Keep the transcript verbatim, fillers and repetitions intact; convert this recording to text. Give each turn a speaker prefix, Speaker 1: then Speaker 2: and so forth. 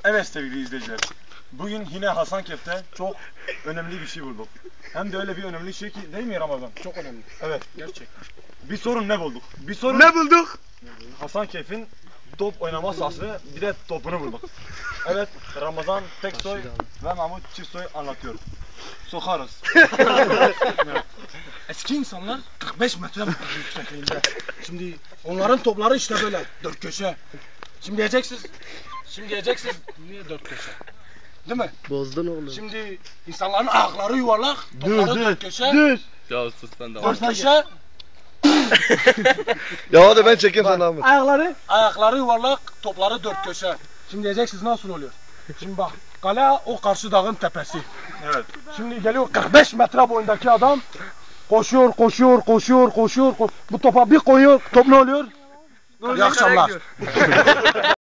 Speaker 1: Evet sevgili izleyiciler. Bugün yine Hasankeyf'te çok önemli bir şey bulduk. Hem de öyle bir önemli şey ki değil mi Ramazan?
Speaker 2: Çok önemli.
Speaker 1: Evet.
Speaker 2: Gerçekten.
Speaker 1: Bir sorun ne bulduk? Bir sorun
Speaker 3: Ne bulduk?
Speaker 1: Hasankeyf'in top oynama sahası bir de topunu bulduk. Evet, Ramazan Teksoy ve Mahmut Çiftsoy anlatıyor. Sokarız.
Speaker 2: Eski insanlar kırk beş metre yüksekliğinde. Şimdi onların topları işte böyle dört köşe. Şimdi diyeceksiniz, şimdi diyeceksiniz niye dört köşe? Değil mi?
Speaker 3: Bozdun oğlum.
Speaker 2: Şimdi insanların ayakları yuvarlak, topları dört köşe.
Speaker 3: Dur.
Speaker 4: Ya sus sen de.
Speaker 2: Dört köşe,
Speaker 3: Ya hadi ben çekeyim sana Ahmet.
Speaker 2: ayakları ayakları yuvarlak, topları dört köşe. Şimdi diyeceksiniz nasıl oluyor? Şimdi bak, kale o karşı dağın tepesi.
Speaker 1: Evet.
Speaker 2: Şimdi geliyor kırk beş metre boyundaki adam koşuyor, koşuyor, koşuyor, koşuyor. ko- Bu topa bir koyuyor, top ne oluyor? İyi akşamlar.